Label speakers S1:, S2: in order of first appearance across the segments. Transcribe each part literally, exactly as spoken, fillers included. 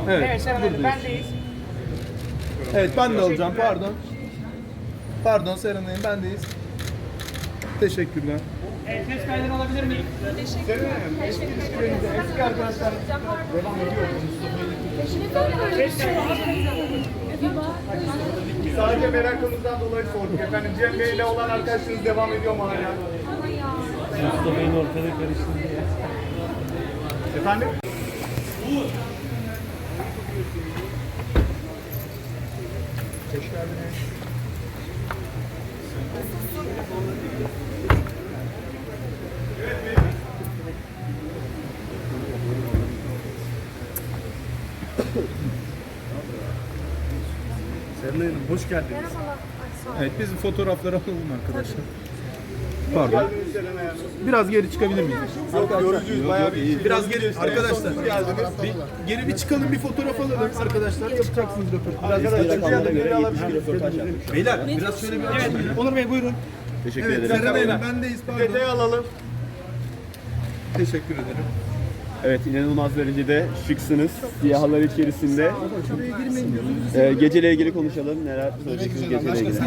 S1: Evet,
S2: Evet Seren Hanım
S1: buradayız.
S2: bendeyiz.
S1: Evet, ben de alacağım. Pardon. Pardon Seren Hanım, bendeyiz. Teşekkürler.
S2: Evet, ses kaydını alabilir miyim?
S3: Teşekkürler.
S1: Eski arkadaşlar devam ediyor. Sadece merakımızdan dolayı sorduk efendim. Cem Bey ile olan arkadaşınız devam ediyor mu hala?
S4: Mustafa'nın ortada karıştı diye.
S1: Efendim? Hoş geldiniz.
S4: Seren Hanım hoş geldiniz.
S1: Evet, biz fotoğrafları alalım arkadaşlar. Pardon. Biraz geri çıkabilir miyiz?
S4: Yorucuyuz bayağı bir.
S1: Biraz geri arkadaşlar. Bir, geri bir çıkalım, bir fotoğraf alalım arkadaşlar. Yapacaksınız röportaj. Arkadaşlar. Beyler biraz şöyle bir açın.
S2: Onur Bey buyurun.
S4: Teşekkür
S1: Evet,
S4: ederim.
S1: Seren Hanım bendeyiz. Detayı alalım. Teşekkür ederim.
S4: Evet, inanılmaz derecede şıksınız. Siyahlar içerisinde. Ee, geceyle ilgili konuşalım. Neler söyleyeceksiniz geceyle ilgili?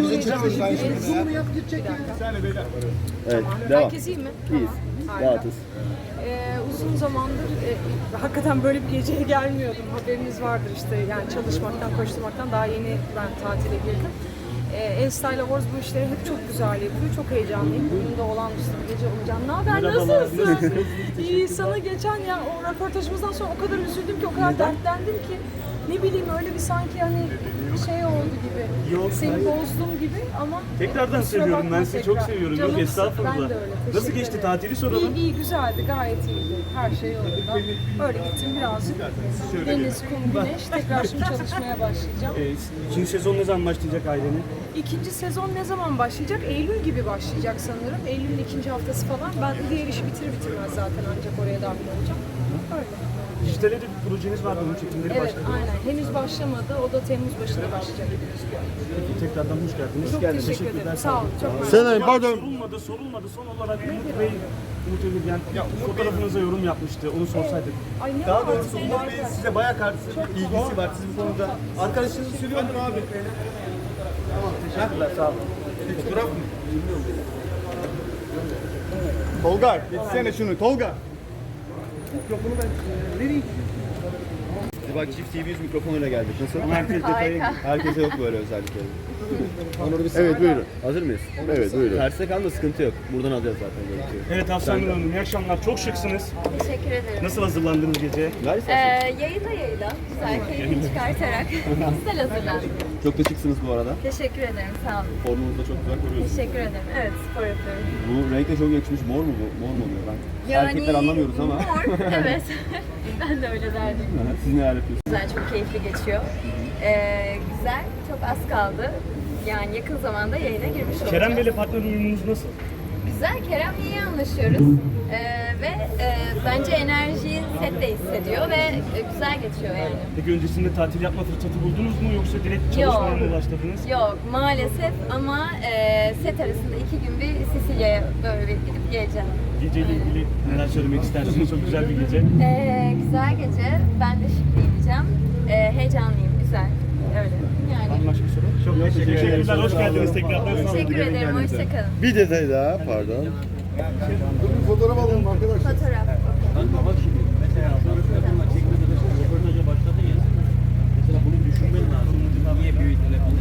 S4: Evet, devam.
S3: Herkes iyi mi?
S4: İyiyiz.
S3: Harika.
S4: Rahatız.
S3: Ee, uzun zamandır e, hakikaten böyle bir geceye gelmiyordum. Haberiniz vardır işte yani çalışmaktan, koşturmaktan daha yeni ben tatile girdim. Ee, Enstyle Awards bu işleri hep çok güzel yapıyor. Çok heyecanlıyım. Bugün de olağanüstü bir gece olacağım. Ne haber? Nasılsın? İyi. Sana geçen ya o röportajımızdan sonra o kadar üzüldüm ki, o kadar dertlendim ki. Ne bileyim öyle bir sanki hani şey oldu gibi.
S5: Yok,
S3: Seni
S5: hayır.
S3: bozdum gibi ama
S5: Tekrardan
S3: kusura
S5: seviyorum
S3: bakma
S5: ben sizi
S3: tekrar.
S5: çok seviyorum. Yok
S3: Canımsın.
S5: estağfurullah.
S3: Ben de öyle.
S5: Nasıl
S3: Teşekkür
S5: geçti
S3: ederim.
S5: tatili soralım.
S3: İyi, iyi güzeldi, gayet iyiydi. Her şey yolunda. Öyle gittim birazcık. Deniz, kum, güneş. Tekrar şimdi çalışmaya başlayacağım.
S5: Ee, ikinci sezon ne zaman başlayacak ailenin?
S3: İkinci sezon ne zaman başlayacak? Eylül gibi başlayacak sanırım. Eylül'ün ikinci haftası falan. Ben diğer işi bitirir bitirmez zaten ancak oraya dahil olacağım. Öyle.
S5: Dijitalde de bir projeniz var, onun çekimleri
S3: Evet,
S5: başladı.
S3: aynen. Henüz başlamadı. O da Temmuz başında başlayacak.
S5: Peki, tekrardan hoş geldiniz.
S3: Çok teşekkür ederim. Sağ olun. Çok mersi.
S5: Sen pardon. Sorulmadı, sorulmadı. Son olarak Umut Bey, Umut Ömür yani fotoğrafınıza yorum yapmıştı. Onu sorsaydık.
S3: Ay ne
S1: Daha
S3: var?
S1: doğrusu Umut Bey'in size bayağı karşı bir ilgisi var sizin bu konuda. Arkadaşınız sürüyor mu abi? Tamam, teşekkürler, sağ olun. Fotoğraf mı? Tolga, geçsene şunu, Tolga. Mikrofonu ben nereye
S4: Biz bak çift T V yüz mikrofonuyla geldik. Nasıl?
S5: Herkes detayı.
S4: Herkese yok böyle özellikleri. Evet buyurun. Hazır mıyız? Evet buyurun. Terse kalma, sıkıntı yok. Buradan alacağız zaten görüntüyü.
S5: Evet Hafsan Nur Hanım, iyi akşamlar. Çok şıksınız.
S6: Teşekkür ederim.
S5: Nasıl hazırlandınız gece?
S4: Ver
S6: Ee,
S4: istersen.
S6: yayına yayına güzel keyifli çıkartarak güzel hazırlandım.
S4: Çok da şıksınız bu arada.
S6: Teşekkür ederim, sağ olun.
S4: Formunuzu da çok güzel koruyorsunuz.
S6: Teşekkür ederim. Evet, spor yapıyorum.
S4: Bu renkle çok yakışmış. Mor mu bu? Mor mu oluyor? Ben erkekler anlamıyoruz ama.
S6: Mor, evet. Ben de öyle derdim.
S4: Siz neler yapıyorsunuz?
S6: Güzel, çok keyifli geçiyor. Ee, güzel, çok az kaldı. Yani yakın zamanda yayına girmiş olacağız.
S5: Kerem Bey'le partner uyumunuz nasıl?
S6: Güzel, Kerem'le iyi anlaşıyoruz. Ee, ve e, bence enerjiyi sette hissediyor ve e, güzel geçiyor yani.
S5: Peki öncesinde tatil yapma fırsatı buldunuz mu yoksa direkt
S6: Yok.
S5: çalışmaya mı başladınız?
S6: Yok maalesef ama e, set arasında iki gün bir Sicilya'ya böyle bir gidip geleceğim.
S5: Geceyle ilgili neler söylemek istersiniz? Çok güzel bir gece.
S6: E, güzel gece. Ben de şık giyineceğim. E, heyecanlıyım. Güzel. Öyle. Yani.
S5: Başka soru? Çok teşekkür ederim. Hoş geldiniz tekrar.
S6: Teşekkür ederim. Hoşçakalın.
S4: Bir detay daha pardon.
S1: Bir fotoğraf alalım arkadaşlar.
S6: Fotoğraf.
S4: Röportaja başladın ya. Mesela bunu düşünmen lazım. Niye büyük telefonla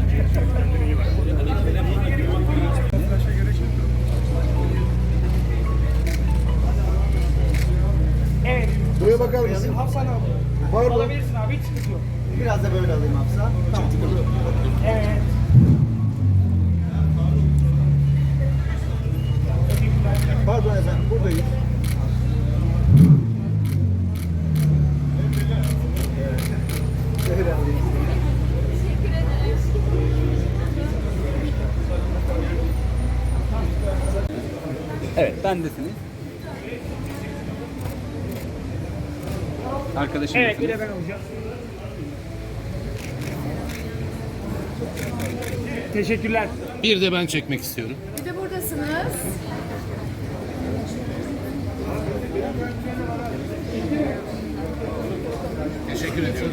S2: Evet.
S1: Buraya bakar mısın?
S2: Hafsan abi.
S1: Pardon.
S2: Alabilirsin abi, hiç sıkıntı yok.
S1: Biraz da böyle alayım Hafsa. Tamam.
S2: Evet.
S1: Pardon efendim, buradayız. Şöyle alayım.
S6: Teşekkür ederim.
S7: Evet, bendesiniz. Arkadaşım
S2: Evet, bir de ben olacağım. Teşekkürler.
S7: Bir de ben çekmek istiyorum.
S6: Bir de buradasınız.
S7: Teşekkür ediyorum.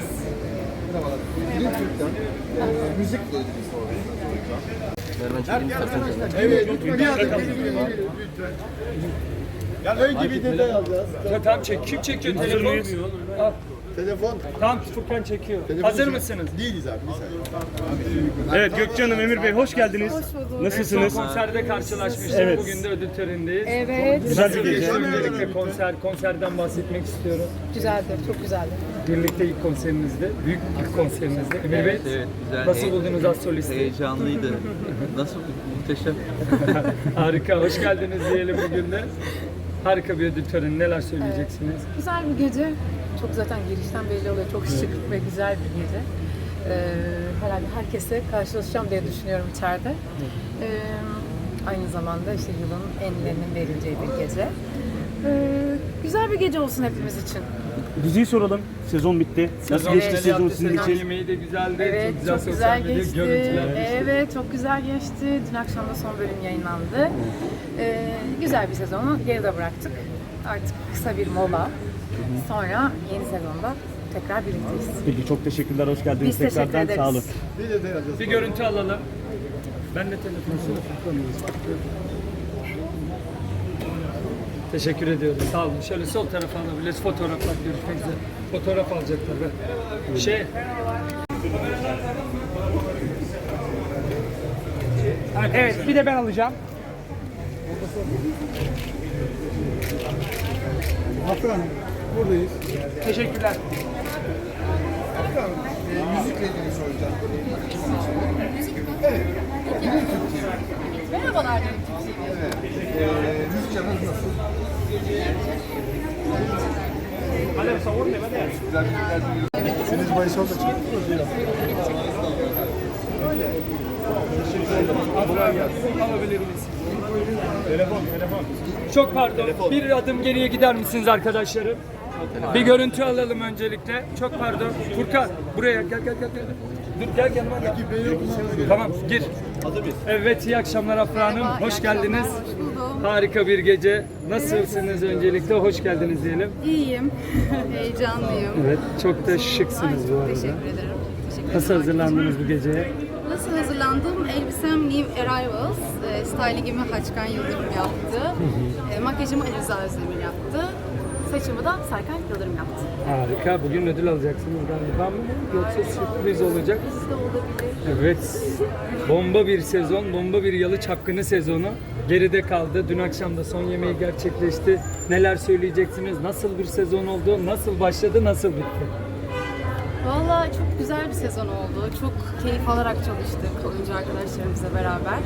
S8: Müzikle ilgili soracağım.
S1: Evet, bir adım lütfen. Ya ön gibi detay alacağız.
S2: Tamam çek. Kim çekiyor telefonu? Al.
S1: Telefon
S2: Tamam Furkan çekiyor. Hazır mısınız?
S1: değiliz abi. Bir saniye.
S5: Evet Gökçe Hanım, Emir Bey hoş geldiniz. Nasılsınız?
S2: Son konserde karşılaşmıştık.
S5: Evet.
S2: Bugün de ödül törenindeyiz.
S3: Evet.
S5: Güzel bir gece.
S2: Öncelikle konser, konserden bahsetmek istiyorum.
S3: Güzeldi, çok güzeldi.
S2: Birlikte ilk konserimizde, büyük ilk konserimizde. Emir Bey,
S9: Evet, güzel.
S2: nasıl
S9: He-
S2: buldunuz az solisti?
S9: Heyecanlıydı. Nasıl? Muhteşem.
S2: Harika, hoş geldiniz diyelim bugün de. Harika bir ödül töreni, neler söyleyeceksiniz?
S10: Güzel bir gece. Çok zaten girişten belli oluyor. Çok şık ve güzel bir gece. Ee, herhalde herkesle karşılaşacağım diye düşünüyorum içeride. Ee, aynı zamanda işte yılın enlerinin verileceği bir gece. Ee, güzel bir gece olsun hepimiz için.
S5: Diziyi soralım. Sezon bitti. Nasıl geçti
S2: Evet,
S5: sezon
S2: yaptı,
S5: sizin
S2: sezon
S5: için?
S2: yemeği de güzeldi.
S10: Evet,
S2: çok güzel,
S10: çok güzel
S2: sosyal medya
S10: geçti.
S2: görüntüler.
S10: Evet, çok güzel geçti. Dün akşam da son bölüm yayınlandı. Ee, güzel bir sezonu geride bıraktık. Artık kısa bir mola. Sonra yeni sezonda tekrar birlikteyiz.
S5: Peki çok teşekkürler. Hoş geldiniz
S10: Biz teşekkür
S5: tekrardan.
S10: ederiz.
S5: Sağ olun.
S1: Bir detay alacağız.
S2: Bir görüntü alalım. Ben de telefonu Teşekkür ediyorum. Sağ olun. Şöyle sol tarafa alabiliriz. Fotoğraflar görüşmek üzere. Fotoğraf alacaklar. Be. Şey.
S11: Evet, bir de ben alacağım.
S1: Afra Hanım, buradayız.
S11: Teşekkürler.
S8: Afra Hanım, e, müzikle ilgili soracağım. Evet.
S6: Merhabalar.
S8: Evet. E, müzik canınız nasıl? Güzel müzikler dinliyoruz.
S1: Seniz Baysal'da çıktınız.
S2: Alabilir miyiz? Telefon, telefon. Çok pardon. Bir adım geriye gider misiniz arkadaşlarım? Bir görüntü alalım öncelikle. Çok pardon. Furkan buraya gel gel gel. gel. Dur gel yanıma gel. Tamam gir. Evet iyi akşamlar Afra Hanım. Hoş geldiniz.
S6: Hoş buldum.
S2: Harika bir gece. Nasılsınız öncelikle? Hoş geldiniz diyelim.
S6: İyiyim. Heyecanlıyım.
S2: Evet çok da şıksınız bu arada.
S6: Teşekkür ederim. Teşekkür
S2: Nasıl
S6: ederim.
S2: hazırlandınız bu geceye?
S6: Nasıl hazırlandım? Elbisem New Arrivals. E, stylingimi Haçkan Yıldırım yaptı. E, makyajımı Ali Rıza Özdemir yaptı. Saçımı da Serkan Yıldırım yaptı.
S2: Harika. Bugün ödül alacaksınız galiba mı? Yoksa sürpriz olacak.
S6: Siz de olabilir.
S2: Evet. Bomba bir sezon, bomba bir Yalı Çapkını sezonu. Geride kaldı. Dün akşam da son yemeği gerçekleşti. Neler söyleyeceksiniz? Nasıl bir sezon oldu? Nasıl başladı? Nasıl bitti?
S6: Valla çok güzel bir sezon oldu. Çok keyif alarak çalıştık oyuncu arkadaşlarımızla beraber.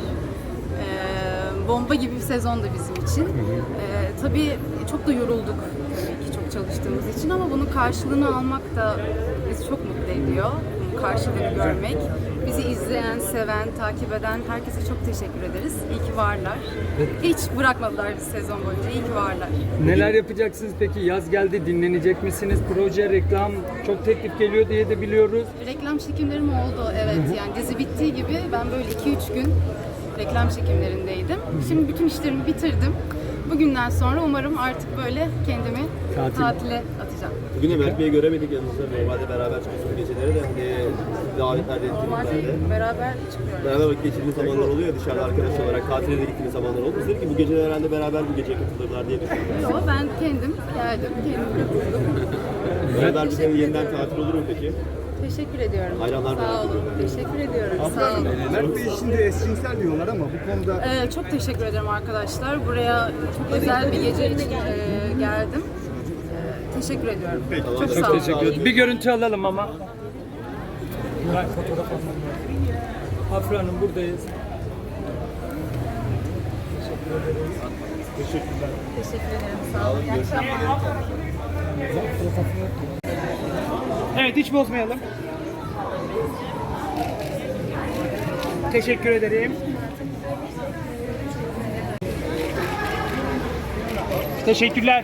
S6: Ee, bomba gibi bir sezondu bizim için. Ee, tabii çok da yorulduk tabii ki çok çalıştığımız için ama bunun karşılığını almak da bizi çok mutlu ediyor. Bunun karşılığını görmek. Bizi izleyen, seven, takip eden herkese çok teşekkür ederiz. İyi ki varlar. Hiç bırakmadılar bizi sezon boyunca. İyi ki varlar.
S2: Neler yapacaksınız peki? Yaz geldi. Dinlenecek misiniz? Proje, reklam çok teklif geliyor diye de biliyoruz.
S6: Reklam çekimlerim oldu evet. Yani dizi bittiği gibi ben böyle iki üç gün reklam çekimlerindeydim. Şimdi bütün işlerimi bitirdim. Bugünden sonra umarım artık böyle kendimi
S2: Tatil.
S6: tatile atacağım.
S4: Bugün de Mert Bey'i göremedik yanımızda. Normalde beraber çıkıyorsunuz geceleri de. E, davetlerde,
S6: Normalde
S4: etkinliklerde.
S6: beraber çıkıyoruz.
S4: Beraber vakit geçirdiğiniz zamanlar oluyor ya, dışarıda arkadaş olarak tatile de gittiğiniz zamanlar oldu. Biz dedik ki bu gece herhalde beraber bu geceye katılırlar diye düşündüm.
S6: Yok ben kendim geldim, kendim katıldım.
S4: Beraber bir sene yeniden tatil olur mu peki?
S6: Teşekkür ediyorum.
S4: Hayranlar
S6: Sağ
S4: merak
S6: olun. Teşekkür ediyorum. Sağ olun.
S1: Mert Bey şimdi eşcinsel diyorlar ama bu konuda
S6: Ee, çok teşekkür ederim arkadaşlar. Buraya çok özel bir gece için e, geldim. Ee, teşekkür ediyorum. Çok sağ
S2: Çok
S6: olun.
S2: teşekkür ederim. Bir görüntü alalım ama. Ben fotoğraf almam lazım. Afra Hanım buradayız.
S6: Teşekkür ederim. Sağ olun. İyi akşamlar.
S11: Evet, hiç bozmayalım. Teşekkür ederim. Teşekkürler.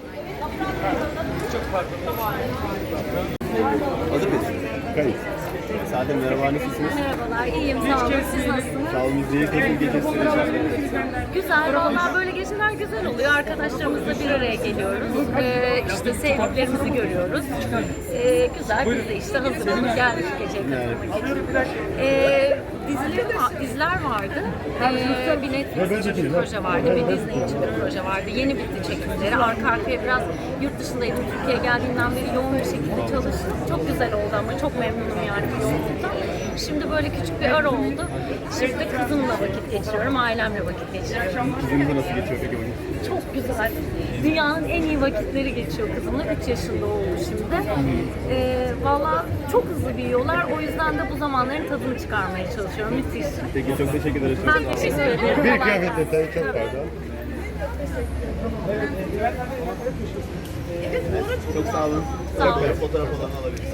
S4: Hazır mıyız?
S5: Kayıt.
S4: Zaten merhaba, nasılsınız?
S12: Merhabalar, iyiyim. Sağ olun. Siz nasılsınız?
S4: Sağ olun, biz de iyi. Kaçın gecesi.
S12: Güzel, vallahi böyle geceler güzel oluyor. Arkadaşlarımızla bir araya geliyoruz. Ee, işte sevdiklerimizi görüyoruz. Ee, güzel, biz de işte hazırlanıp geldik gece. Ee, diziler, diziler vardı. Ee, bir Netflix için bir proje vardı, bir Disney için bir proje vardı. Yeni bitti çekimleri. Arka arkaya biraz yurt dışındaydım. Türkiye'ye geldiğimden beri yoğun bir şekilde çalıştım. Çok güzel oldu ama çok memnunum yani bu yoğunluktan. Şimdi böyle küçük bir ara oldu. Şimdi de kızımla vakit geçiriyorum, ailemle vakit geçiriyorum.
S4: Kızınızla nasıl geçiyor peki bugün?
S12: Çok güzel. Dünyanın en iyi vakitleri geçiyor kızımla. üç yaşında oldu şimdi. Ee, Valla çok hızlı büyüyorlar. O yüzden de bu zamanların tadını çıkarmaya çalışıyorum. Müthiş.
S4: Peki, çok teşekkür ederiz.
S12: Ben teşekkür ederim.
S8: Bir
S12: Kolay
S8: kıyafet
S12: gelsin.
S8: detayı çok pardon.
S4: Çok sağ olun.
S12: Sağ olun.
S4: Fotoğraf olanı alabiliriz.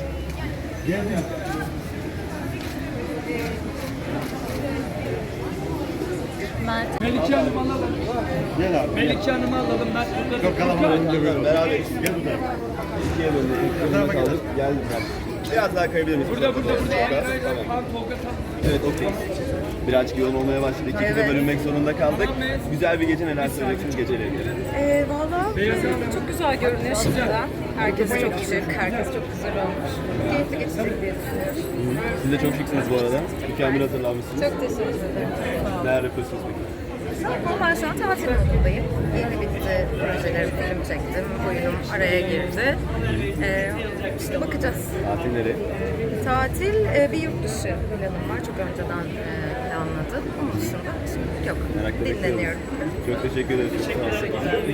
S12: Mert.
S2: Melike Hanım alalım.
S8: Gel abi.
S2: Melike Hanım'ı alalım. Mert burada.
S8: Çok kalabalık böyle.
S4: Beraber
S8: Gel bu tarafa.
S4: ikiye bölünelim. kaldık. Geldik. Biraz daha kayabilir miyiz?
S2: Burada burada burada.
S4: Tamam.
S2: Tamam. Tolga tam.
S4: Evet, okey. Birazcık yoğun olmaya başladı. İkimiz de bölünmek zorunda kaldık. Güzel bir gece, neler söyleyeceksiniz geceyle ilgili?
S3: Ee, Valla çok güzel görünüyor şimdiden. Herkes çok şık, herkes çok güzel olmuş. Keyifli geçecek diye düşünüyorum.
S4: Siz de çok şıksınız bu arada. Mükemmel hazırlanmışsınız.
S3: Çok teşekkür ederim.
S4: Neler yapıyorsunuz peki?
S12: Ben şu an tatil modundayım. Yeni bitti projelerim, film çektim. Oyunum araya girdi. Ee, işte bakacağız.
S4: Tatil nereye?
S12: Tatil e, bir yurt dışı planım var. Çok önceden e, planladım. Onun dışında şimdi yok.
S4: Merakla
S12: Dinleniyorum.
S4: Çok teşekkür ederiz. Çok sağ olun.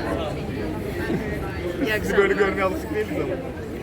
S12: İyi akşamlar.
S8: Böyle görmeye alışık değiliz ama.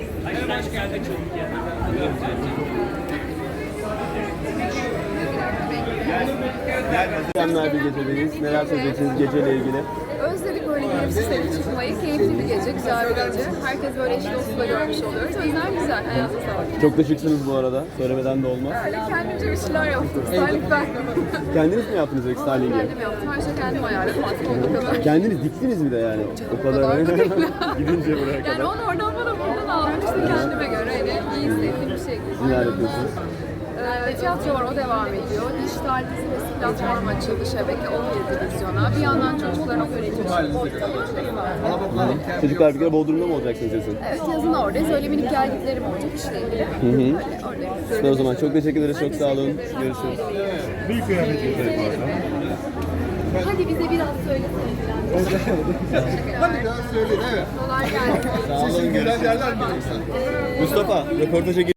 S4: Mükemmel bir gecedeyiz. Neler söyleyeceksiniz geceyle ilgili?
S3: Özledik böyle gelip seni çıkmayı. Keyifli bir gece, güzel bir gece. Herkes böyle eşi dostuyla görmüş oluyoruz. O yüzden güzel, hayata sağlık.
S4: Çok da şıksınız bu arada. Söylemeden de olmaz.
S3: Öyle kendimce bir şeyler yaptım. Styling ben.
S4: Kendiniz mi yaptınız peki styling'i?
S3: Kendim yaptım. Her şey kendim ayarladım. Artık olduğu kadar.
S4: Kendiniz diktiniz mi de yani? O kadar. Gidince buraya
S3: Yani
S4: kadar.
S3: onu oradan bana buradan aldım. İşte kendime göre hani iyi hissettiğim bir şey.
S4: Neler yapıyorsunuz?
S3: Ee, tiyatro var, o devam ediyor. Dijital dizimiz platform açıldı, şebeke on yedi vizyona. Bir yandan çocukların okul ortamı.
S4: Çocuklar bir kere Bodrum'da mı olacaksınız yazın?
S3: Evet, yazın oradayız. Öyle minik gelgitlerim olacak işle ilgili.
S4: Hı hı.
S3: Oradayız.
S4: Süper o zaman. Çok teşekkür ederiz. Çok sağ olun. Görüşürüz.
S8: Bir kıyafet detayı pardon.
S3: Hadi bize biraz söylesene falan.
S8: Hadi biraz söyleyin, evet.
S3: Kolay gelsin.
S8: Sesin gülen yerler mi yoksa?
S4: Mustafa, röportaja gir.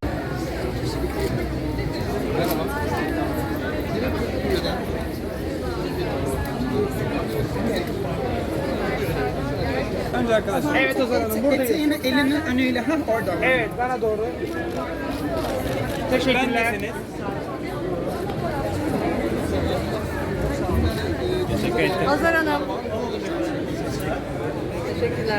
S11: Önce arkadaşlar. Evet Ozan Hanım buradayız. Eteğini elinin önüyle. Hah orada. Evet bana doğru. Teşekkürler.
S7: Teşekkür ederim.
S3: Azar Hanım. Teşekkürler.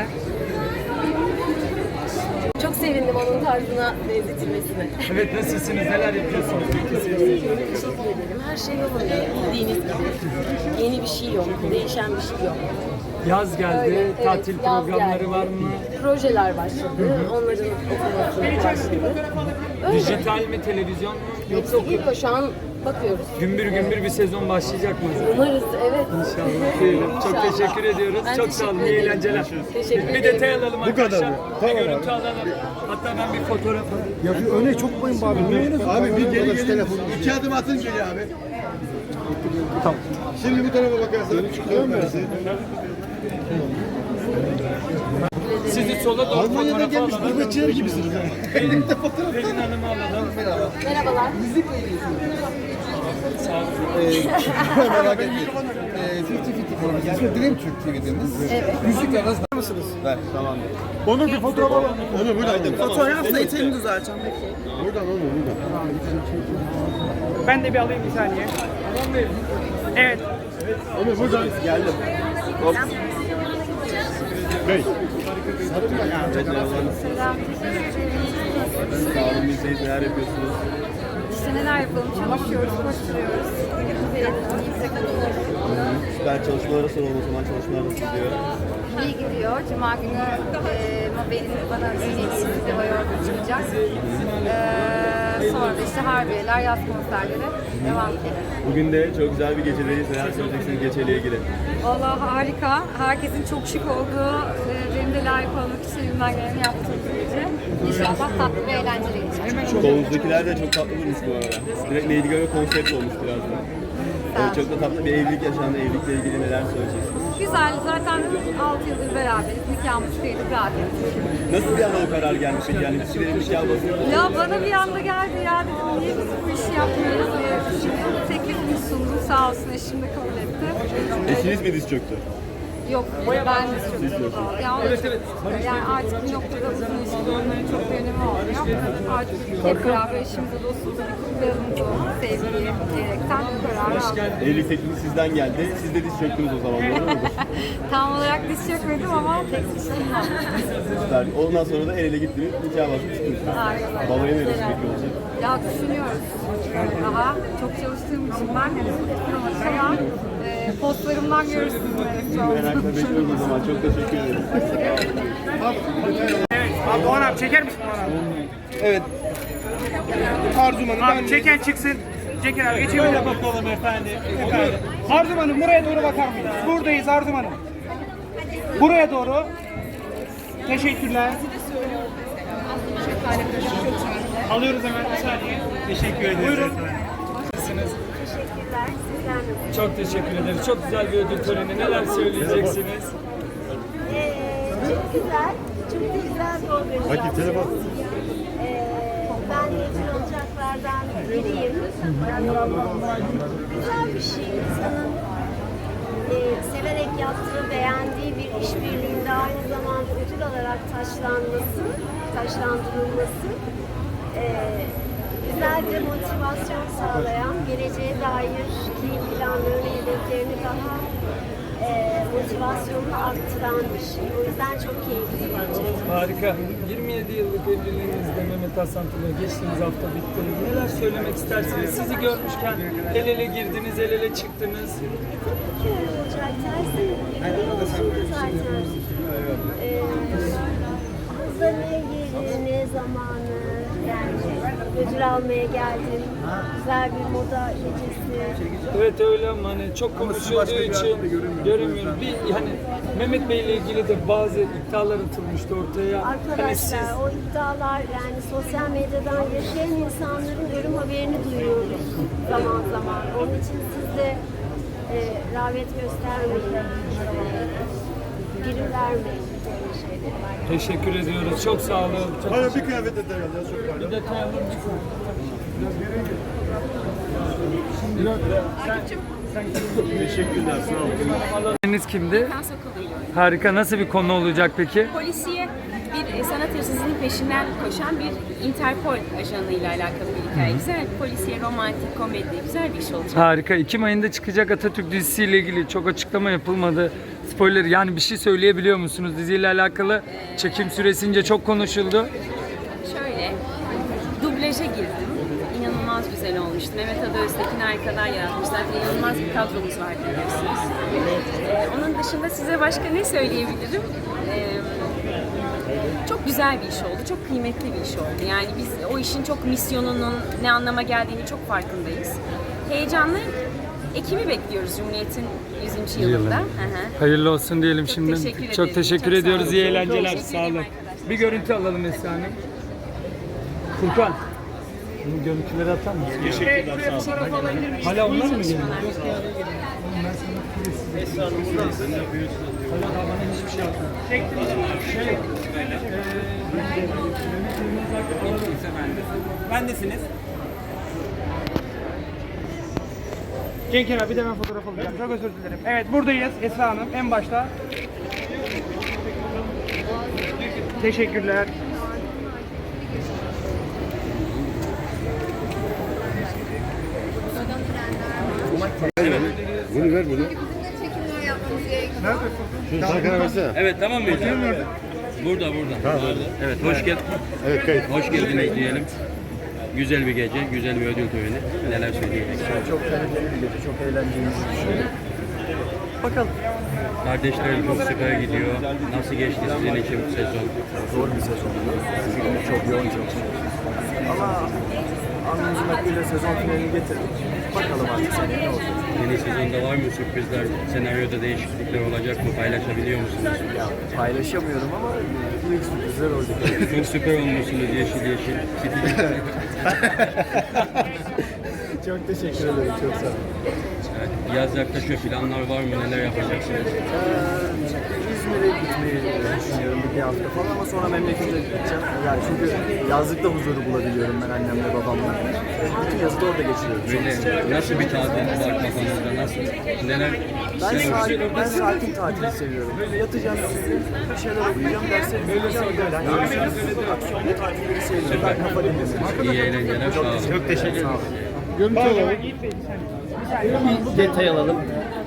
S12: Çok sevindim onun tarzına benzetilmesine.
S2: Evet nasılsınız? Neler yapıyorsunuz?
S12: Teşekkür ederim. Her şey yolunda. Bildiğiniz gibi. Yeni bir şey yok. Değişen bir şey yok.
S2: Yaz geldi.
S12: Öyle, evet,
S2: Tatil
S12: yaz
S2: programları
S12: geldi.
S2: var mı?
S12: Projeler başladı. Onların okunması başladı. Öyle.
S2: Dijital mi, televizyon mu?
S12: Yoksa geliyor şu an bakıyoruz.
S2: Gümbür gümbür bir sezon başlayacak mı?
S12: Umarız evet.
S2: İnşallah. Diyelim. Çok
S12: İnşallah.
S2: teşekkür ediyoruz.
S12: Ben
S2: Çok sağ olun.
S12: teşekkür
S2: İyi
S12: ederim.
S2: eğlenceler.
S12: Teşekkür
S2: Bir
S12: ederim.
S2: detay alalım
S8: Bu kadar
S2: arkadaşlar.
S8: mı?
S2: Bir
S8: Tamam
S2: görüntü alalım. Hatta ben bir fotoğraf alayım.
S8: Ya bir öne çok koyun abi. Abi bir geri gelin. İki adım atın geri abi. Tamam. Şimdi bu tarafa bakarsan çıkıyorum ben size.
S2: Sizi sola doğru
S8: Almanya'dan
S2: fotoğraf
S8: gelmiş
S2: alalım.
S8: gurbetçiler gibisiniz. Elimde fotoğraf.
S2: Pelin Hanım'ı alalım.
S3: Merhabalar.
S8: Merak etmeyin. Fifty Fifty programı. İsmi Dream Türk T V'deniz. Evet. Müzikle arasında mısınız?
S4: Ver, tamam.
S8: Onur bir fotoğraf alalım. Onur buradan.
S11: Fotoğrafla eteğini düzelteceğim.
S8: Buradan Onur buradan.
S11: Ben de bir alayım bir saniye. Evet.
S8: Onur buradan.
S4: Geldim. Hop.
S8: Bey.
S4: Sağ olun, bizdeyiz. Neler yapıyorsunuz?
S3: İşte neler yapalım? Çalışıyoruz, koşturuyoruz.
S4: Süper, çalışmalara soralım o zaman. Çalışmalar nasıl gidiyor?
S3: İyi gidiyor. Cuma günü e, Mabel'in bana öyle hediyesi de var orada çıkacak. E, sonra
S6: da işte harbiyeler, yaz konserleri devam ediyor.
S4: Bugün de çok güzel bir gecedeyiz. Neler söyleyeceksiniz geceyle ilgili?
S6: Vallahi harika. Herkesin çok şık olduğu, e, benim de layık olmak için elimden geleni yaptığım bir gece. İnşallah tatlı ve eğlenceli geçecek.
S4: Kolunuzdakiler de çok tatlı durmuş bu arada. Direkt Lady Gaga konsept olmuş biraz da. Evet, çok da tatlı bir evlilik yaşandı. Evlilikle ilgili neler söyleyeceksiniz?
S6: Güzel. Zaten altı yıldır beraberiz. Nikahımız kıydık, rahat ettik.
S4: Nasıl bir anda o karar gelmiş peki? Yani ilişkilerin nikah basını.
S6: Ya bana bir anda geldi ya dedim niye biz bu işi yapmıyoruz diye düşündüm. Teklifini sundum, sağ olsun eşim de kabul etti.
S4: Eşiniz mi diz çöktü?
S6: Yok, ben de çok mutlu oldum. Ya, yani artık bir noktada uzun ilişkilerin çok bir önemi olmuyor. Artık hep beraber eşimizle dostumuzla bir kutlayalım bu sevgiyi diyerekten bu kararı aldım.
S4: Evlilik teklifi sizden geldi. Siz de diz çöktünüz o zaman, doğru mudur?
S6: Tam olarak diz çökmedim ama teklif sunmam.
S4: Süper. Ondan sonra da el ele gittiniz, nikah basıp çıktınız.
S6: Aynen.
S4: Balayı neresi peki olacak?
S6: Ya düşünüyoruz. Daha çok çalıştığım için ben yapamadım ama e, postlarımdan görürsünüz.
S4: Merakla bekliyoruz o zaman. Çok teşekkür ederim.
S11: Abi Doğan abi çeker misin Doğan abi?
S1: Evet. Arzum Hanım
S11: Abi
S1: ben
S11: çeken çıksın. Çekin abi geçelim.
S1: Şöyle bakalım efendim. Efendim.
S11: Arzum Hanım buraya doğru bakar mıyız? Buradayız Arzum Hanım. Buraya doğru. Teşekkürler. Alıyoruz hemen bir saniye.
S1: Teşekkür ederiz.
S11: Buyurun.
S12: Teşekkürler. Sizler nasılsınız?
S2: Çok teşekkür ederiz. Çok güzel bir ödül töreni. Neler söyleyeceksiniz?
S12: Ee, çok güzel. Çok da güzel bir organizasyon.
S8: Bakayım telefon.
S12: Ee, ben mezun olacaklardan biriyim. Güzel bir şey. İnsanın e, severek yaptığı, beğendiği bir işbirliğinde aynı zamanda ödül alarak taşlanması, taşlandırılması e, güzel bir motivasyon sağlayan, geleceğe dair ki planlarını, hedeflerini daha e, motivasyonunu arttıran bir şey. O yüzden çok keyifli bence.
S2: Harika. yirmi yedi yıllık evliliğinizde Mehmet Hasan Tuna geçtiğimiz hafta bitti. Neler söylemek istersiniz? Sizi görmüşken el ele girdiniz, el ele çıktınız.
S12: Tabii ki öyle olacak. Tersi olsun zaten. Ee, hazırlığa girdin, ne zamanı, yani ödül almaya geldim. Güzel bir moda gecesi.
S2: Evet öyle ama hani çok konuşulduğu için göremiyorum. Bir hani Mehmet Bey ile ilgili de bazı iddialar atılmıştı ortaya.
S12: Arkadaşlar
S2: Hani siz
S12: o iddialar yani sosyal medyadan yaşayan insanların ölüm haberini duyuyoruz zaman zaman. Onun için siz de e, rağbet göstermeyin, e, prim vermeyin böyle şeylere.
S2: teşekkür ediyoruz. Çok sağ olun. Çok
S8: Hadi bir kıyafet detay alacağız. Çok pardon.
S2: bir detay alır mısın?
S8: Teşekkürler. Sağ olun.
S2: Deniz kimdi? Harika. Nasıl bir konu olacak peki?
S6: Polisiye bir sanat hırsızının peşinden koşan bir Interpol ajanıyla alakalı bir hikaye. Güzel, polisiye, romantik, komedi, güzel bir iş olacak.
S2: Harika. Ekim ayında çıkacak Atatürk dizisiyle ilgili çok açıklama yapılmadı. Spoiler yani bir şey söyleyebiliyor musunuz? Diziyle alakalı çekim süresince çok konuşuldu.
S6: Şöyle, dublaja girdim. İnanılmaz güzel olmuştu. Mehmet Ada Öztekin harikalar yaratmışlar. İnanılmaz bir kadromuz var biliyorsunuz. Ee, onun dışında size başka ne söyleyebilirim? Ee, çok güzel bir iş oldu. Çok kıymetli bir iş oldu. Yani biz o işin çok misyonunun ne anlama geldiğini çok farkındayız. Heyecanlı. Ekim'i bekliyoruz Cumhuriyet'in yüzüncü yılında. Hı hı.
S2: Hayırlı olsun diyelim
S6: Çok
S2: şimdi.
S6: teşekkür
S2: Çok
S6: ederim.
S2: teşekkür
S6: Çok sağ
S2: ediyoruz.
S6: olun.
S2: İyi eğlenceler.
S6: Teşekkür
S2: Sağ
S6: ederim
S2: olun.
S6: arkadaşlar.
S2: Bir görüntü alalım Esra Hanım. Furkan. Bu görüntüleri atar mısın?
S11: Teşekkürler. Sağ olun.
S2: Hala onlar mı geliyor? Hala daha bana hiçbir şey yapmadı. Şey,
S1: Bendesiniz.
S11: Cenk abi bir de ben fotoğraf alacağım. Çok özür dilerim. Evet buradayız Esra Hanım en başta. Teşekkürler.
S8: Bunu ver bunu. Şu Tarkan'a versene.
S9: Evet tamam mı? Burada burada. Evet hoş geldin.
S8: Evet kayıt.
S9: Hoş geldiniz diyelim. Güzel bir gece, güzel bir ödül töreni. Neler söyleyeceksiniz?
S4: Çok kaliteli bir gece, çok eğlenceli.
S11: Bakalım.
S9: Kardeşlerim çok sıkıya gidiyor. Nasıl geçti sizin için bu sezon?
S4: Zor bir sezondu. Çünkü çok yoğun çalıştık. Ama
S13: Alnımızın akıyla sezon finalini getirdik. Bakalım artık seneye ne olacak.
S9: Yeni sezonda var mı sürprizler, senaryoda değişiklikler olacak mı? Paylaşabiliyor musunuz?
S13: Ya, paylaşamıyorum ama büyük sürprizler olacak.
S9: Çok süper olmuşsunuz yeşil yeşil.
S13: Çok teşekkür ederim, çok sağ olun.
S9: Evet, yaz yaklaşıyor, planlar var mı? Neler yapacaksınız?
S13: Ee, İzmir'e gitmeyi düşünüyorum bir hafta falan ama sonra memlekete gideceğim. Yani çünkü yazlıkta huzuru bulabiliyorum ben annemle babamla. Bütün yazı da orada geçiriyorum.
S9: Böyle nasıl bir tatil var kafanızda? Nasıl? Neler?
S13: Ben sakin, ben sakin tatili seviyorum. Böyle yatacağım, bir şeyler okuyacağım, dersleri yapacağım. Yani aksiyonlu tatilleri seviyorum. Ben kafa dinlemeyi.
S9: İyi eğlenceler. Sağ olun.
S13: Çok teşekkür ederim.
S8: Görüntü alalım.
S2: Detay alalım.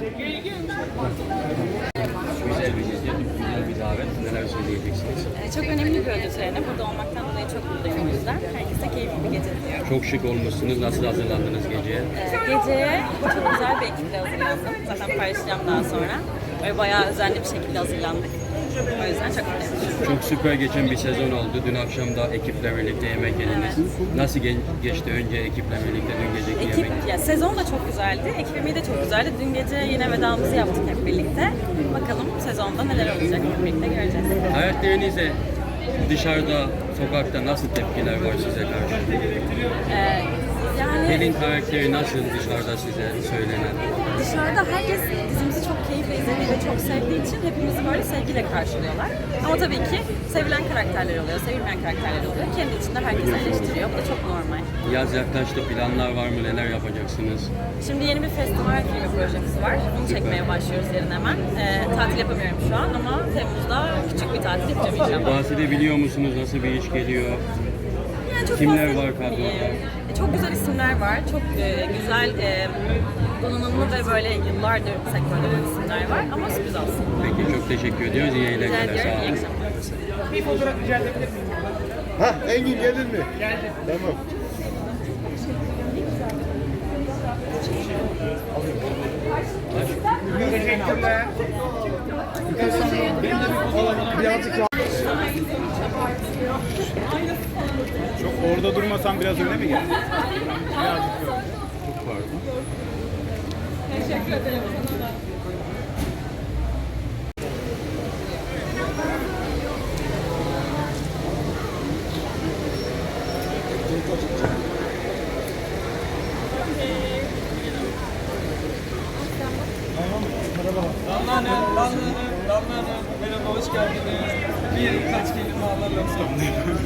S9: Güzel bir gece, güzel bir davet. Neler söyleyeceksiniz?
S12: Ee, Çok önemli bir ödül töreni. Burada olmaktan dolayı çok mutluyum o yüzden. Herkese keyifli bir gece diliyorum.
S9: Çok şık olmuşsunuz. Nasıl hazırlandınız geceye?
S12: Ee, Geceye çok güzel bir ekiple hazırlandım. Zaten paylaşacağım daha sonra. Böyle bayağı özenli bir şekilde hazırlandık. O yüzden çok mutluyum.
S9: Çok süper geçen bir sezon oldu. Dün akşam da ekiple birlikte yemek yediniz. Nasıl ge- geçti önce ekiple birlikte dün geceki
S12: Ekip,
S9: yemek?
S12: ya sezon da çok güzeldi. Ekip yemeği de çok güzeldi. Dün gece yine vedamızı yaptık hep birlikte. Bakalım sezonda neler olacak hep birlikte göreceğiz.
S9: Hayatlarınızda dışarıda, sokakta nasıl tepkiler var size karşı?
S12: Ee, yani
S9: Pelin karakteri nasıl dışarıda size söylenen?
S12: dışarıda herkes dizimizi çok keyifle izlediği ve çok sevdiği için hepimizi böyle sevgiyle karşılıyorlar. Ama tabii ki sevilen karakterler oluyor, sevilmeyen karakterler oluyor. Kendi içinde herkes eleştiriyor. Bu da çok normal.
S9: Yaz yaklaştı, planlar var mı? Neler yapacaksınız?
S12: Şimdi yeni bir festival filmi projemiz var. Onu çekmeye başlıyoruz yarın hemen. Ee, tatil yapamıyorum şu an ama Temmuz'da küçük bir tatil yapacağım inşallah.
S9: Bahsedebiliyor musunuz? Nasıl bir iş geliyor?
S12: Yani çok
S9: Kimler
S12: fazla-
S9: var kadroda?
S12: Ee, Çok güzel isimler var. Çok e, güzel, e, donanımlı ve böyle yıllardır sektörde olan isimler var. Ama sürpriz olsun.
S9: Peki çok teşekkür ediyoruz. İyi
S12: Rica
S9: eğlenceler.
S12: ediyorum.
S9: Sağ
S12: İyi
S9: olun.
S12: akşamlar.
S11: Bir fotoğraf rica edebilir miyim?
S8: Ha Engin geldin mi?
S11: Geldi.
S8: Tamam.
S11: Teşekkürler.
S5: Çok orada durmasan biraz öne mi gel?
S9: Çok pardon.
S12: Teşekkür ederim.
S2: Damla Hanım, Damla Hanım, Damla Hanım. Merhaba, hoş geldiniz. Bir kaç kelime alalım sonra.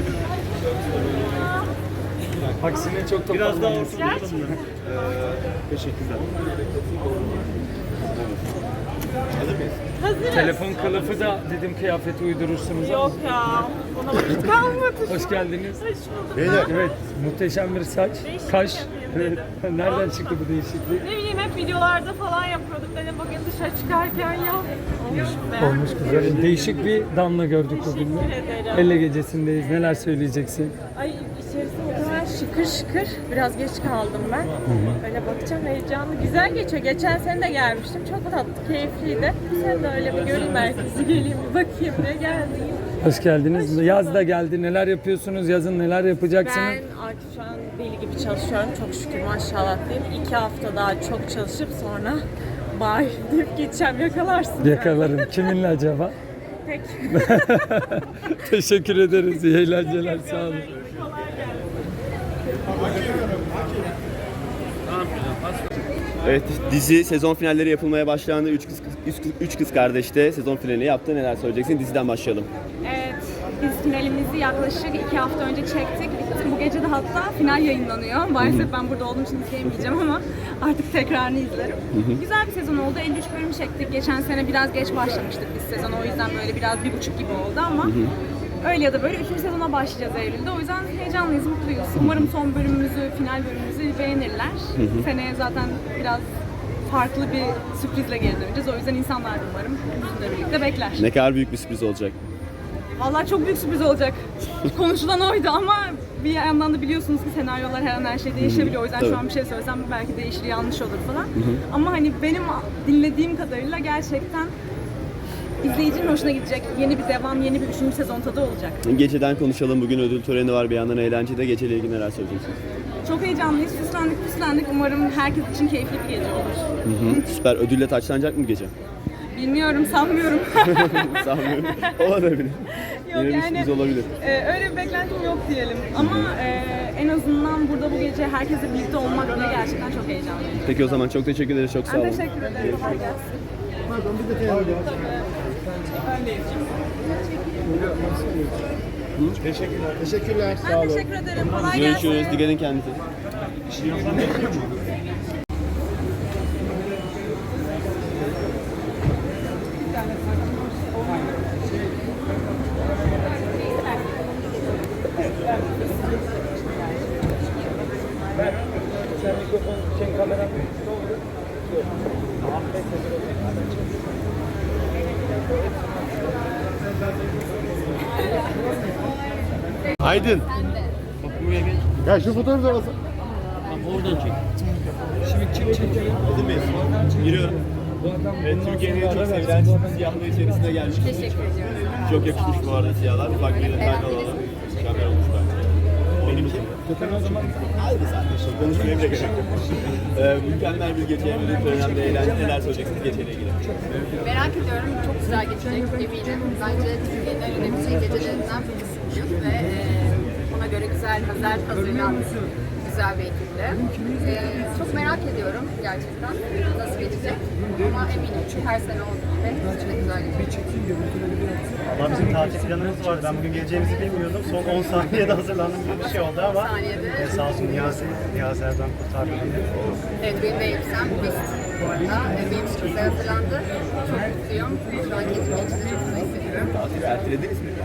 S2: Aksine çok da
S5: Biraz daha
S2: fazla-
S5: ortada duralım mı? Ee, teşekkürler.
S2: Telefon kılıfı da dedim kıyafeti uydurursunuz. Yok
S12: ya, ona vakit kalmadı.
S2: Hoş geldiniz.
S8: Beyler.
S2: Evet, muhteşem bir saç, kaş. Evet. Nereden çıktı bu değişiklik?
S12: Ne bileyim hep videolarda falan yapıyorduk. Dedim bugün dışarı çıkarken yap. Olmuş be.
S2: Olmuş güzel. Değişik bir damla gördük bugün.
S12: Teşekkür ederim.
S2: Elle gecesindeyiz. Neler söyleyeceksin?
S12: Ay içerisi o kadar şıkır şıkır. Biraz geç kaldım ben. Öyle bakacağım heyecanlı. Güzel geçiyor. Geçen sene de gelmiştim. Çok tatlı, keyifliydi. Bu sene de öyle bir gönül merkezi geleyim bir bakayım ne geldi.
S2: Hoş geldiniz. Yaz da geldi. Neler yapıyorsunuz? Yazın neler yapacaksınız?
S12: Ben artık şu an deli gibi çalışıyorum. Çok şükür maşallah diyeyim. İki hafta daha çok çalışıp sonra bye deyip geçeceğim. Yakalarsın.
S2: Yakalarım. Kiminle acaba?
S12: Tek.
S2: Teşekkür ederiz. İyi eğlenceler. Sağ olun.
S4: Evet, dizi sezon finalleri yapılmaya başlandı. Üç kız, üç, kız- üç kız kardeş de sezon finalini yaptı. Neler söyleyeceksin? Diziden başlayalım.
S6: Evet, biz finalimizi yaklaşık iki hafta önce çektik. Bu gece de hatta final yayınlanıyor. Maalesef ben burada olduğum için izleyemeyeceğim ama artık tekrarını izlerim. Güzel bir sezon oldu. elli üç bölüm çektik. Geçen sene biraz geç başlamıştık biz sezon. O yüzden böyle biraz bir buçuk gibi oldu ama öyle ya da böyle üçüncü sezona başlayacağız Eylül'de. O yüzden heyecanlıyız, mutluyuz. Umarım son bölümümüzü, final bölümümüzü beğenirler. Seneye zaten biraz farklı bir sürprizle geri döneceğiz. O yüzden insanlar da umarım bizimle birlikte bekler.
S4: Ne kadar büyük bir sürpriz olacak.
S6: Vallahi çok büyük sürpriz olacak. Konuşulan oydu ama bir yandan da biliyorsunuz ki senaryolar her an her şey değişebiliyor. O yüzden
S4: Tabii.
S6: şu an bir şey söylesem belki değişir, yanlış olur falan. Ama hani benim dinlediğim kadarıyla gerçekten izleyicinin hoşuna gidecek. Yeni bir devam, yeni bir üçüncü sezon tadı olacak.
S4: Geceden konuşalım. Bugün ödül töreni var. Bir yandan eğlencede. Geceyle ilgili neler söyleyeceksin?
S3: Çok heyecanlıyız. Süslendik püslendik. Umarım herkes için keyifli bir gece olur.
S4: Hı hı. Süper. Ödülle taçlanacak mı gece?
S3: Bilmiyorum, sanmıyorum.
S4: Sanmıyorum. Olabilir.
S3: Yok
S4: Yine bir
S3: yani
S4: sürpriz olabilir.
S3: e, öyle bir beklentim yok diyelim. Ama e, en azından burada bu gece herkesle birlikte olmak bile gerçekten çok heyecanlıyım.
S4: Peki o zaman çok teşekkür ederiz. Çok sağ
S3: Ben
S4: olun.
S3: teşekkür ederim. Kolay gelsin.
S8: Pardon bir detay alacağım. Teşekkürler. Teşekkürler.
S3: Ben teşekkür ederim. Kolay gelsin.
S4: Görüşürüz. Dikkat edin kendinize.
S8: Aydın. Ya şu fotoğrafı da alsana.
S9: Oradan çek.
S2: Şimdi kim çekiyor?
S4: Aydın Bey, giriyorum. Evet, Türkiye'nin en çok sevilen siyahlığı içerisine gelmiş.
S6: Teşekkür ediyorum.
S4: Çok yakışmış bu arada siyahlar. Ufak bir detay da alalım. Mükemmel olmuş bence. Benim için. Aynı zaten şey. Konuşmaya bile gerek yok. Ee, mükemmel bir gece. Ödül önemli eğlence. Neler söyleyeceksiniz geceyle ilgili?
S6: Merak ediyorum. Çok güzel geçecek eminim. Bence Türkiye'nin en önemli gecelerinden birisi ve e, ona göre güzel, güzel hazırlanmış güzel bir ekiple. E, çok merak ediyorum gerçekten nasıl geçecek. Ama eminim çünkü her sene olduğu gibi sizce de güzel geçecek.
S5: Valla bizim tatil planımız vardı. Ben bugün geleceğimizi bilmiyordum. Son on saniyede hazırlandım gibi bir şey oldu ama
S6: saniyede.
S5: e, sağ olsun Niyazi, Niyazi Erdoğan kurtardı beni.
S6: Evet, benim de elbisem biz bu arada. E, benim için güzel hazırlandı. Çok mutluyum. Şu an keyifli geçti. Çok güzel hissediyorum.
S4: Tatili ertelediniz mi?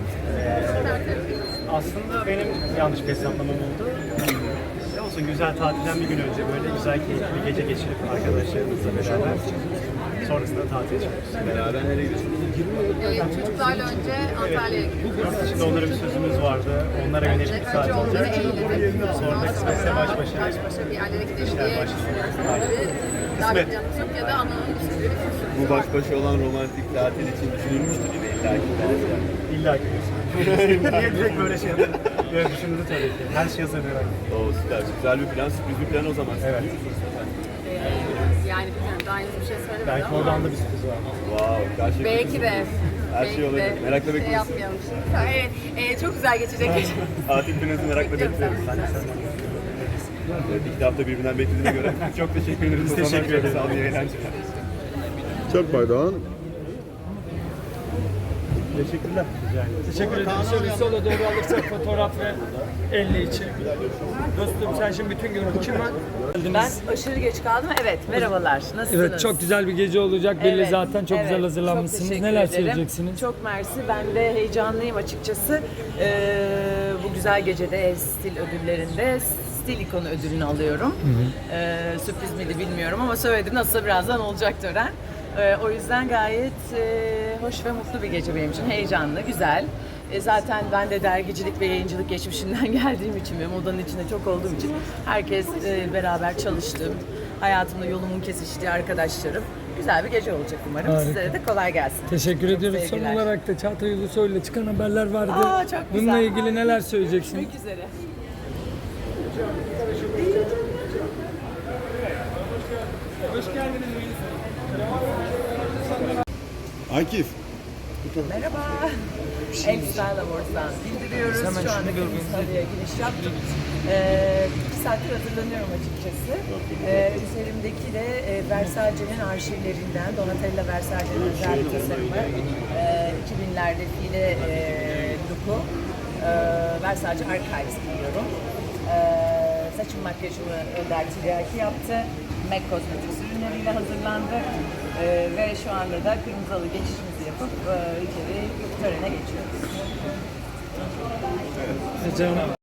S5: Aslında benim yanlış bir hesaplamam oldu. Ne olsun güzel tatilden bir gün önce böyle güzel keyifli bir gece geçirip arkadaşlarımızla beraber sonrasında tatile çıkıyoruz.
S4: Beraber nereye gidiyorsunuz?
S6: Ee, çocuklarla önce Antalya'ya gidiyoruz.
S5: Şimdi onlara bir sözümüz vardı. Onlara yönelik bir saat
S6: Önce
S5: olacak.
S6: onları eğlenelim.
S5: Sonra da kısmetse baş başa.
S6: Baş başa bir yerlere gidelim
S5: İşler
S6: diye
S5: başlıyor.
S6: düşünüyoruz. Daha
S5: Kısmet.
S6: bir planımız yok ya da anlamı bir sürü bir sürü.
S4: Bu baş başa olan romantik tatil için düşünülmüştür yine illa ki.
S5: İlla ki. Niye direkt böyle şey yapalım? Böyle düşündü tabii ki. Her şey hazır herhalde.
S4: Oo süper. Güzel bir plan. Sürpriz bir plan o zaman.
S5: Evet.
S6: Ee, yani bilmiyorum daha henüz bir şey söylemedim
S5: Belki
S6: ama.
S5: oradan da bir sürpriz var.
S4: Wow. Gerçekten
S6: Belki de.
S4: Her
S6: Belki
S4: şey olabilir.
S6: de.
S4: Merakla
S6: Şey
S4: bekliyoruz.
S6: yapmayalım şimdi. Evet, e, çok güzel geçecek gece.
S4: Tatil planınızı merakla bekliyoruz. Evet, iki hafta birbirinden beklediğine göre çok teşekkür ederiz.
S5: Biz teşekkür ederiz.
S4: Sağ olun, iyi eğlenceler.
S8: Çok pardon.
S5: Teşekkürler. Rica ederim.
S2: Teşekkür ederim. Şöyle sola doğru alırsak fotoğraf ve elli için. Dostum sen şimdi bütün gün kim var?
S14: Ben aşırı geç kaldım. Evet, merhabalar. Nasılsınız?
S2: Evet, çok güzel bir gece olacak. Belli
S14: Evet,
S2: zaten çok
S14: evet.
S2: güzel hazırlanmışsınız.
S14: Çok teşekkür
S2: Neler
S14: ederim.
S2: söyleyeceksiniz?
S14: Çok mersi. Ben de heyecanlıyım açıkçası. Ee, bu güzel gecede Stil ödüllerinde Stil ikonu ödülünü alıyorum. Ee, sürpriz miydi bilmiyorum ama söyledim. Nasılsa birazdan olacak tören. Ee, o yüzden gayet e, hoş ve mutlu bir gece benim için. Heyecanlı, güzel. E, zaten ben de dergicilik ve yayıncılık geçmişinden geldiğim için ve modanın içinde çok olduğum için herkes e, beraber çalıştığım, hayatımda yolumun kesiştiği arkadaşlarım. Güzel bir gece olacak umarım.
S2: Harika.
S14: Sizlere de kolay gelsin.
S2: Teşekkür
S14: Çok
S2: ediyoruz. Son
S14: sevgiler.
S2: olarak da Çağatay Ulusoy'la çıkan haberler vardı.
S14: Aa, çok güzel.
S2: Bununla ilgili neler söyleyeceksiniz?
S14: Görüşmek üzere.
S2: Hoş geldiniz.
S8: Akif.
S14: Merhaba. Elstyle Awards'dan bildiriyoruz.
S2: Hemen
S14: Şu anda
S2: şunu görmenizi
S14: Kırmızıhalı'ya giriş yaptık. Ee, iki saattir hazırlanıyorum açıkçası. Ee, üzerimdeki de e, Versace'nin arşivlerinden Donatella Versace'nin özel bir tasarımı. Ee, iki binlerde file e, look'u. Ee, Versace Archives giyiyorum. Ee, saçım makyajımı Önder Tiryaki yaptı. MAC Cosmetics ürünleriyle hazırlandık. Ee, ve şu anda da kırmızı halı geçişimizi yapıp e, içeri törene geçiyoruz.
S2: Ece Hanım.